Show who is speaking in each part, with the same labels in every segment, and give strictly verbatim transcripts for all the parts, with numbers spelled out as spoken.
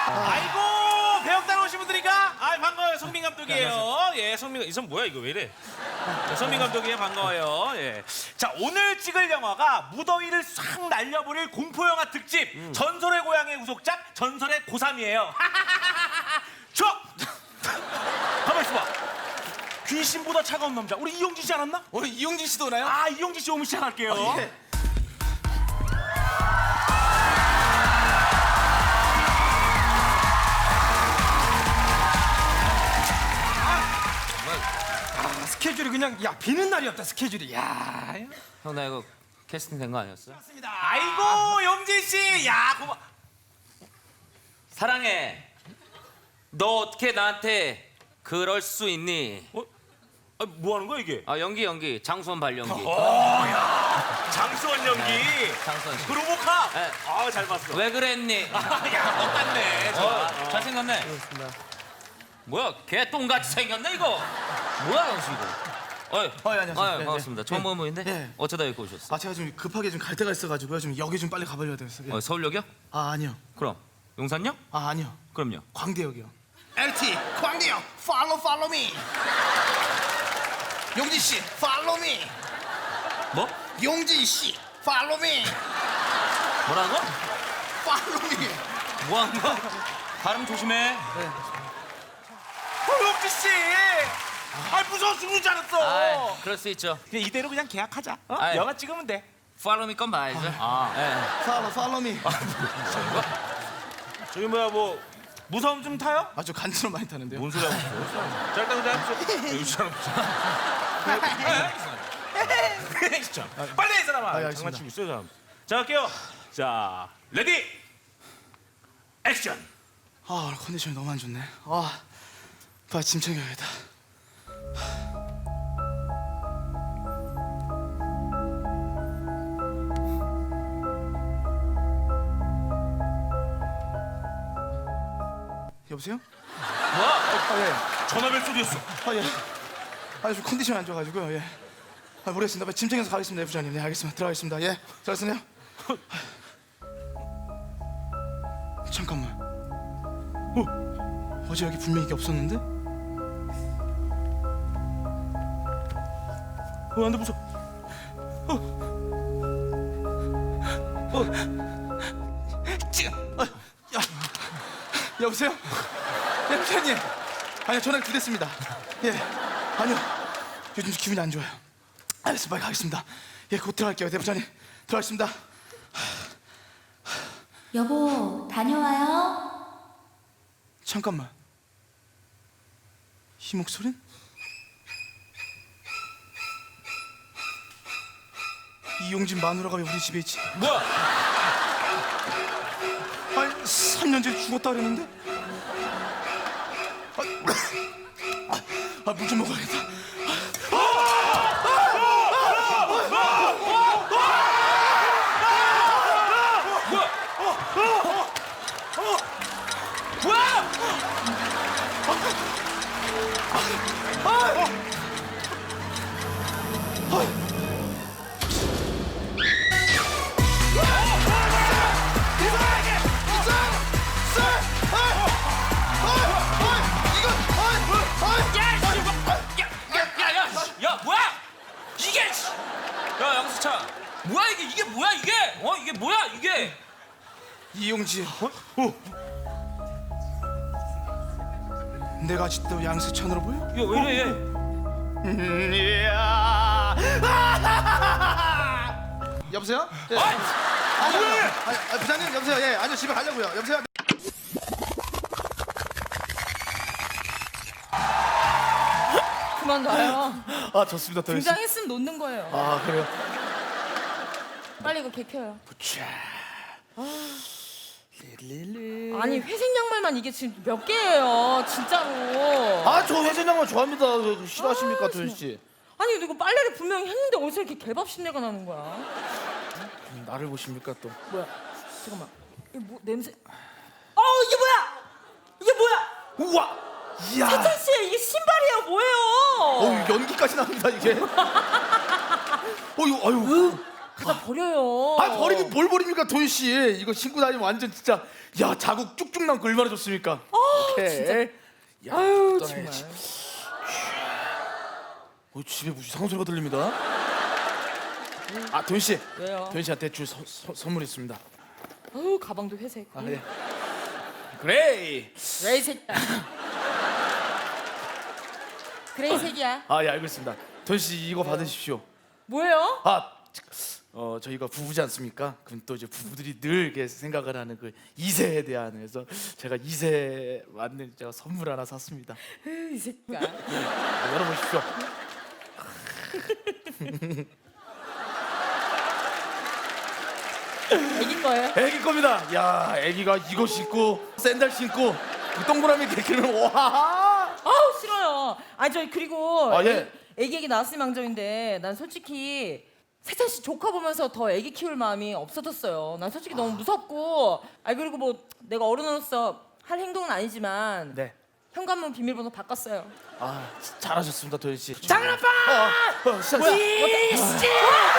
Speaker 1: 아이고 배역단 오신 분들이니까 아 반가워요. 송민 감독이에요. 예, 송민 이 손 뭐야 이거 왜 이래? 네, 송민 감독이에요. 반가워요. 예. 자 오늘 찍을 영화가 무더위를 싹 날려버릴 공포 영화 특집 음. 전설의 고향의 후속작 전설의 고삼이에요. 저 가만 있어봐. 귀신보다 차가운 남자 우리 이용진 씨 알았나?
Speaker 2: 오늘 이용진 씨도 오나요?
Speaker 1: 아 이용진 씨 오면 시작할게요.
Speaker 2: 어, 예. 아, 스케줄이 그냥 야 비는 날이었다 스케줄이. 야.
Speaker 3: 형 나 이거 캐스팅 된 거 아니었어?
Speaker 2: 맞습니다.
Speaker 1: 아이고 용진 씨, 야 고마.
Speaker 3: 사랑해. 너 어떻게 나한테 그럴 수 있니?
Speaker 1: 어? 아, 뭐 하는 거야 이게?
Speaker 3: 아 연기 연기 장수원 발연기.
Speaker 1: 어야 장수원 연기.
Speaker 3: 네, 장수원 씨.
Speaker 1: 그 로보카.
Speaker 3: 네.
Speaker 1: 아잘 봤어.
Speaker 3: 왜 그랬니?
Speaker 1: 야 똑같네. 저.
Speaker 3: 어, 잘생겼네. 뭐야 개똥같이 생겼네 이거. 뭐야 영수 이거. 어이,
Speaker 2: 어, 예, 안녕하세요.
Speaker 3: 아,
Speaker 2: 네,
Speaker 3: 반갑습니다.
Speaker 2: 네.
Speaker 3: 처음
Speaker 2: 네.
Speaker 3: 보는 분인데
Speaker 2: 네.
Speaker 3: 어쩌다 여기 오셨어?
Speaker 2: 아 제가 좀 급하게 좀 갈 데가 있어가지고요. 좀 여기 좀 빨리 가버려야 돼서. 예.
Speaker 3: 어, 서울역이요?
Speaker 2: 아 아니요.
Speaker 3: 그럼 용산역?
Speaker 2: 아 아니요.
Speaker 3: 그럼요.
Speaker 2: 광대역이요. 엘티 광대역 follow follow me. 용진 씨 follow me.
Speaker 3: 뭐?
Speaker 2: 용진 씨 follow me.
Speaker 3: 뭐라는 거?
Speaker 2: follow me.
Speaker 3: 뭐 하는 거? 발음 조심해.
Speaker 1: 어, 용진 씨. 아 무서워 죽는 줄 알았어.
Speaker 3: 아, 그럴 수 있죠.
Speaker 1: 그냥 이대로 그냥 계약하자. 어?
Speaker 3: 아이.
Speaker 1: 영화 찍으면 돼.
Speaker 3: Follow me 건 봐야죠. 아, 예.
Speaker 2: follow follow me.
Speaker 1: 저기 뭐야 뭐 무서움 좀 타요?
Speaker 2: 아주 간지럼 많이 타는데요.
Speaker 1: 뭔 소리 하고 있어? 자 일단 그냥 이 사람 진짜 빨리 해 이 사람아.
Speaker 2: 아, 알겠습니다.
Speaker 1: 장난치고 있어요 사람. 자 갈게요. 자 레디 액션.
Speaker 2: 아 오늘 컨디션이 너무 안 좋네. 아 빨리 짐 챙겨야겠다. 여보세요?
Speaker 1: 뭐야?
Speaker 2: 아 예.
Speaker 1: 전화벨 소리였어.
Speaker 2: 아 예. 아 좀 컨디션이 안 좋아가지고요. 예. 아 모르겠습니다. 빨리 짐 챙겨서 가겠습니다, 부장님. 네 알겠습니다. 들어가겠습니다. 예. 잘했네요. 잠깐만. 어? 어제 여기 분명히 이게 없었는데?
Speaker 1: 어 안돼 무서워.
Speaker 2: 지금. 아, 야. 여보세요? 예, 부장님. 아니요, 전화가 두 대습니다. 예. 아니요. 요즘 기분이 안 좋아요. 알겠습니다. 빨리 가겠습니다. 예, 곧 들어갈게요, 대부장님. 들어가겠습니다.
Speaker 4: 여보, 다녀와요.
Speaker 2: 잠깐만. 이 목소린? 이용진 마누라가 왜 우리 집에 있지?
Speaker 1: 뭐야?
Speaker 2: 아니, 삼 년 전에 죽었다 그랬는데? 아, 물 좀 먹어야겠다.
Speaker 3: 야, 뭐야? 이게 씨. 야, 양수차. 뭐야 이게? 이게 뭐야 이게? 어, 이게 뭐야 이게?
Speaker 2: 이용진. 어? 내가 아직도 양세찬으로 보여?
Speaker 3: 야, 왜 이래 얘?
Speaker 2: 음, 이야. 여보세요? 예.
Speaker 3: 아,
Speaker 2: 아니요, 아니요. 아니, 아, 부장님 여보세요. 예, 아니요 집에 가려고요. 여보세요.
Speaker 5: 그만 놔요.
Speaker 2: 아 좋습니다. 더 열심히.
Speaker 5: 등장했으면 놓는 거예요.
Speaker 2: 아 그래요?
Speaker 5: 빨리 이거 개 켜요.
Speaker 2: 릴릴리.
Speaker 5: 아니 회색 양말만 이게 지금 몇 개예요, 진짜로.
Speaker 6: 아 저 회전양말 좋아합니다. 왜 싫어하십니까
Speaker 5: 아,
Speaker 6: 도현 씨?
Speaker 5: 아니 이거 빨래를 분명히 했는데 어디서 이렇게 개밥신내가 나는 거야?
Speaker 6: 나를 보십니까 또?
Speaker 5: 뭐야? 잠깐만. 이게 뭐 냄새? 어 이게 뭐야? 이게 뭐야?
Speaker 2: 우와. 이야.
Speaker 5: 세찬 씨 이게 신발이에요, 뭐예요?
Speaker 2: 어 연기까지 나옵니다 이게. 어유 어유.
Speaker 5: 갖다 버려요.
Speaker 2: 아 버리긴 뭘 버립니까 도현 씨. 이거 신고 다니면 완전 진짜 야 자국 쭉쭉 남고 얼마나 좋습니까.
Speaker 5: 아,
Speaker 2: 진짜. 야,
Speaker 5: 아유
Speaker 2: 떠나야지.
Speaker 5: 정말.
Speaker 2: 어, 집에 무슨 이상한 소리가 들립니다. 아 도현 씨.
Speaker 5: 왜요?
Speaker 2: 도현 씨한테 줄 서, 서, 선물 있습니다.
Speaker 5: 아유 가방도 회색.
Speaker 2: 아 예. 그레이.
Speaker 5: 그레이 색이야. 그레이 색이야.
Speaker 2: 아 예 알겠습니다. 도현 씨 이거 받으십시오.
Speaker 5: 뭐예요?
Speaker 2: 아, 어 저희가 부부지 않습니까? 그럼 또 이제 부부들이 늘 이렇게 생각을 하는 그 이세에 대한 그래서 제가 이세 맞는 제가 선물 하나 샀습니다.
Speaker 5: 으, 이 새끼야.
Speaker 2: 아, 열어보십시오.
Speaker 5: 애기 거예요?
Speaker 2: 애기 겁니다. 야, 애기가 이거 신고 샌들 신고 그 동그라미 개키는 와.
Speaker 5: 아우 싫어요. 아니 저 그리고
Speaker 2: 아, 예.
Speaker 5: 애기 얘기 나왔을 망정인데 난 솔직히 세찬 씨 조카 보면서 더 애기 키울 마음이 없어졌어요. 난 솔직히 너무 무섭고 아 그리고 뭐 내가 어른으로서 할 행동은 아니지만
Speaker 2: 네.
Speaker 5: 현관문 비밀번호 바꿨어요.
Speaker 2: 아, 잘하셨습니다, 도현 씨.
Speaker 5: 장은 아빠!
Speaker 2: 어, 어, 시작.
Speaker 5: 이씨!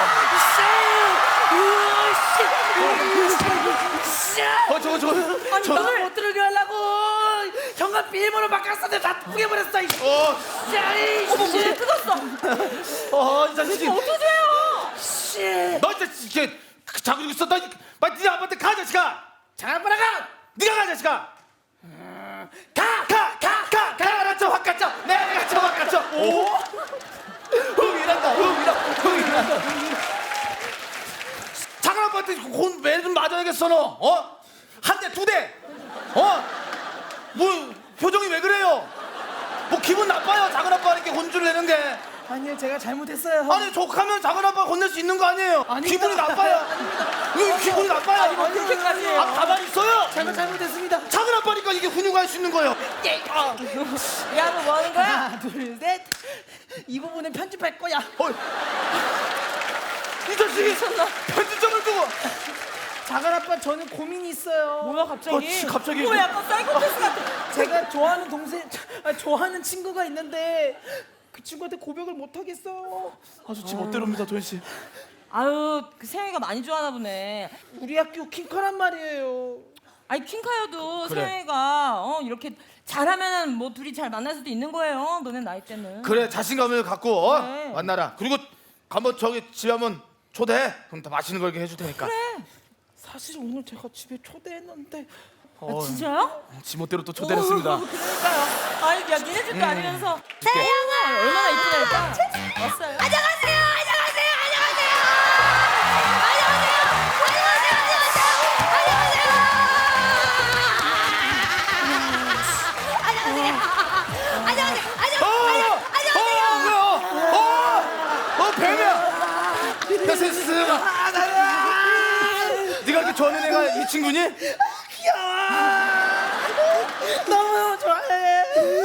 Speaker 2: 어, 저거 저거.
Speaker 5: 아니
Speaker 2: 저,
Speaker 5: 너를 못 들게 하려고 현관 비밀번호 바꿨었는데 다 뿌개버렸어. 이씨.
Speaker 2: 어,
Speaker 5: 어머 무슨 뜯었어.
Speaker 2: 어, 이 자식이.
Speaker 5: 어떡해요? 씨.
Speaker 2: 너 진짜 이게 자고 있어. 너 빨리 네 아빠한테 가, 자식아. 장아빠라 가. 네가 가, 자식아. 가, 가, 가, 가, 가라쳐, 확 가쳐. 내가 가쳐, 확 가쳐. 오. 흥이란다, 흥이라, 흥이란다. 작은 아빠한테 혼매좀 맞아야겠어, 너. 어? 한 대, 두 대. 어? 뭐 표정이 왜 그래요? 뭐 기분 나빠요, 작은 아빠한테 혼쭐 내는 게.
Speaker 7: 아니요, 제가 잘못했어요.
Speaker 2: 아니 족하면 작은 아빠 혼낼 수 있는 거 아니에요?
Speaker 7: 아닙니다.
Speaker 2: 기분이 나빠요. 왜 기분이 나빠요?
Speaker 5: 아니, 뭐 그렇게까지 해요.
Speaker 2: 아 가만히 있어요.
Speaker 7: 잘못 잘못했습니다.
Speaker 2: 작은 아빠니까 이게 훈육할 수 있는 거예요.
Speaker 5: 야 너 뭐 하는 거야?
Speaker 7: 하나, 둘, 셋. 이 부분은 편집할 거야.
Speaker 2: 어, 이 자식이 편집점을 두고.
Speaker 7: 작은 아빠, 저는 고민이 있어요.
Speaker 5: 뭐야 갑자기?
Speaker 2: 어, 씨, 갑자기.
Speaker 5: 뭐 약간 사이코패스 같아.
Speaker 7: 제가 좋아하는 동생, 아, 좋아하는 친구가 있는데 그 친구한테 고백을 못 하겠어요.
Speaker 2: 아주 지 멋대로입니다, 도현 씨.
Speaker 5: 아유 그 세영이가 많이 좋아하나 보네.
Speaker 7: 우리 학교 킹카란 말이에요.
Speaker 5: 아니 퀸카여도
Speaker 2: 그래.
Speaker 5: 세영이가 어 이렇게 잘하면 뭐 둘이 잘 만날 수도 있는 거예요. 너네 나이 때는.
Speaker 2: 그래 자신감을 갖고 어?
Speaker 5: 그래.
Speaker 2: 만나라. 그리고 한번 저기 집에 한번 초대해. 그럼 다 맛있는 거 이렇게 해줄 테니까.
Speaker 5: 그래.
Speaker 7: 사실 오늘 제가 집에 초대했는데
Speaker 2: 어,
Speaker 5: 진짜요?
Speaker 2: 지 멋대로 또 초대했습니다.
Speaker 5: 오, 그러니까요. 아니 야 니네 집도 아니면서 세영아 얼마나 이쁘다 일단 왔어요.
Speaker 8: 안녕하세요. 안녕하세요. 안녕하세요. 안녕하세요. 안녕하세요. 안녕하세요. 안녕하세요. 안녕하세요. 안녕하세요.
Speaker 2: 어, 어, 어, 뱀이야. 야, 세스가. 네가 이렇게 좋아하는 애가 이 친구니?
Speaker 7: 너무 좋아해.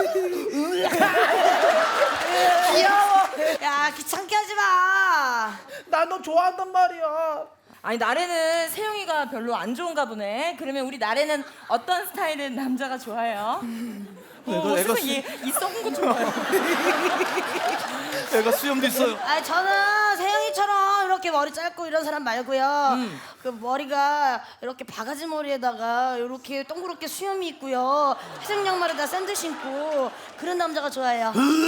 Speaker 8: 귀여워. 야, 귀찮게 하지 마.
Speaker 7: 나 너 좋아한단 말이야.
Speaker 5: 아니 나래는 세영이가 별로 안 좋은가 보네. 그러면 우리 나래는 어떤 스타일의 남자가 좋아해요? 어,
Speaker 2: 애가
Speaker 5: 세상에 이 썩은 거 좋아요.
Speaker 2: 애가 수염도 있어요.
Speaker 8: 아, 저는 세영이처럼 이렇게 머리 짧고 이런 사람 말고요. 그 머리가 이렇게 바가지 머리에다가 이렇게 동그랗게 수염이 있고요. 회색 양말에다 샌들 신고 그런 남자가 좋아해요.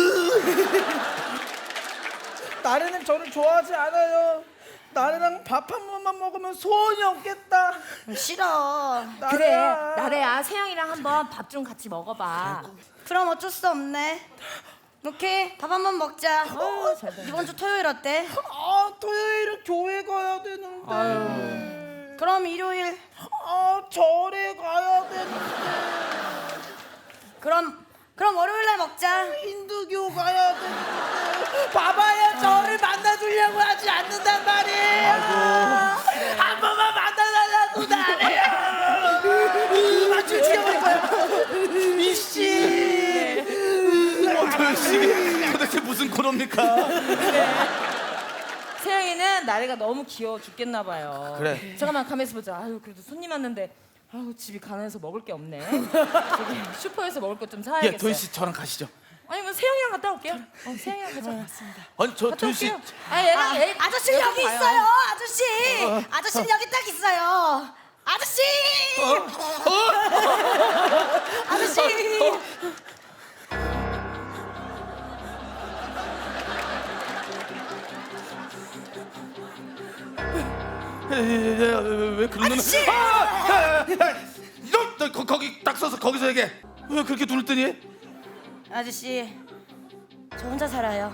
Speaker 7: 나래는 저를 좋아하지 않아요. 나래랑 밥 한 번만 먹으면 소원이 없겠다.
Speaker 8: 싫어.
Speaker 5: 그래
Speaker 7: 나래야.
Speaker 5: 나래야 세영이랑 한번 밥 좀 같이 먹어봐.
Speaker 8: 그럼 어쩔 수 없네. 오케이, 밥 한 번 먹자.
Speaker 5: 어, 잘 됐네.
Speaker 8: 이번 주 토요일 어때?
Speaker 7: 아, 토요일은 교회 가야 되는데.
Speaker 8: 그럼 일요일.
Speaker 7: 아, 절에 가야 되는데.
Speaker 8: 그럼 그럼 월요일 날 먹자.
Speaker 7: 힌두교 가야 되는데. 봐봐요, 저를 만나주려고 하지 않는단 말이에요. 한 번만 만나달라고 나래요. 맞춤 죽여버릴 거야. 이씨.
Speaker 2: 어, 도현 씨, 도대체 무슨 코너입니까?
Speaker 5: 세영이는 나래가 너무 귀여워 죽겠나 봐요.
Speaker 2: 그래.
Speaker 5: 잠깐만 가만있어 보자. 아유 그래도 손님 왔는데 아유 집이 가난해서 먹을 게 없네. 저기 슈퍼에서 먹을 것 좀
Speaker 2: 예,
Speaker 5: 사야겠어요.
Speaker 2: 도현 씨 저랑 가시죠.
Speaker 5: 아니면 세영이랑 갔다 올게요. 어, 세영이랑 가자. 맞습니다.
Speaker 6: 아니 저
Speaker 5: 갔다
Speaker 6: 도현 씨.
Speaker 5: 올게요. 아 얘랑
Speaker 8: 아,
Speaker 5: 얘
Speaker 8: 아저씨
Speaker 5: 얘랑
Speaker 8: 여기
Speaker 5: 가요.
Speaker 8: 있어요. 아저씨. 아저씨는 여기 딱 있어요. 아저씨. 아저씨.
Speaker 6: 왜 그런 눈을?
Speaker 8: 아저씨!
Speaker 6: 아! 야, 야, 야, 야. 너, 너 거, 거기 딱 서서 거기서 얘기해. 왜 그렇게 눈을 뜨니?
Speaker 8: 아저씨. 저 혼자 살아요.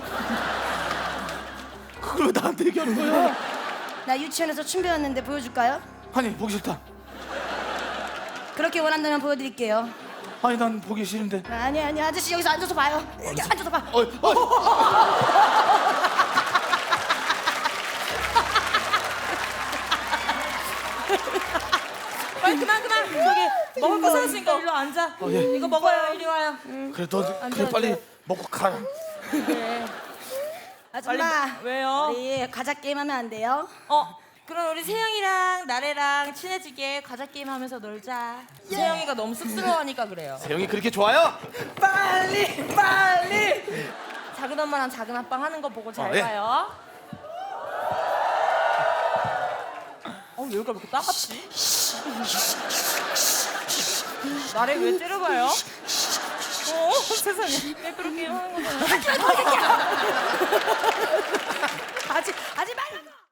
Speaker 6: 그걸 왜 나한테 얘기하는 거야?
Speaker 8: 나 유치원에서 춤 배웠는데 보여줄까요?
Speaker 6: 아니 보기 싫다.
Speaker 8: 그렇게 원한다면 보여드릴게요.
Speaker 6: 아니 난 보기 싫은데.
Speaker 8: 아니 아니 아저씨 여기서 앉아서 봐요. 여기 앉아서 봐.
Speaker 6: 어, 어.
Speaker 5: 빨리 그만 그만. 저기 먹을 거 사왔으니까 일로 앉아. 이거 먹어요. 이리 와요.
Speaker 6: 그래 너 그래 빨리 먹고 가라.
Speaker 5: 그래.
Speaker 8: 아줌마.
Speaker 5: 왜요?
Speaker 8: 우리 과자 게임 하면 안 돼요?
Speaker 5: 어, 그럼 우리 세영이랑 나래랑 친해지게 과자 게임 하면서 놀자. 세영이가 너무 쑥스러워하니까 그래요.
Speaker 6: 세영이 그렇게 좋아요?
Speaker 7: 빨리 빨리.
Speaker 5: 작은 엄마랑 작은 아빠 하는 거 보고 잘
Speaker 6: 어, 예.
Speaker 5: 봐요. 어, 왜 여기가 이렇게 따갑지? 나래 왜 째려봐요? 어, 세상에. 왜 그렇게 하는 거잖아.
Speaker 8: 하지 하지 말라고.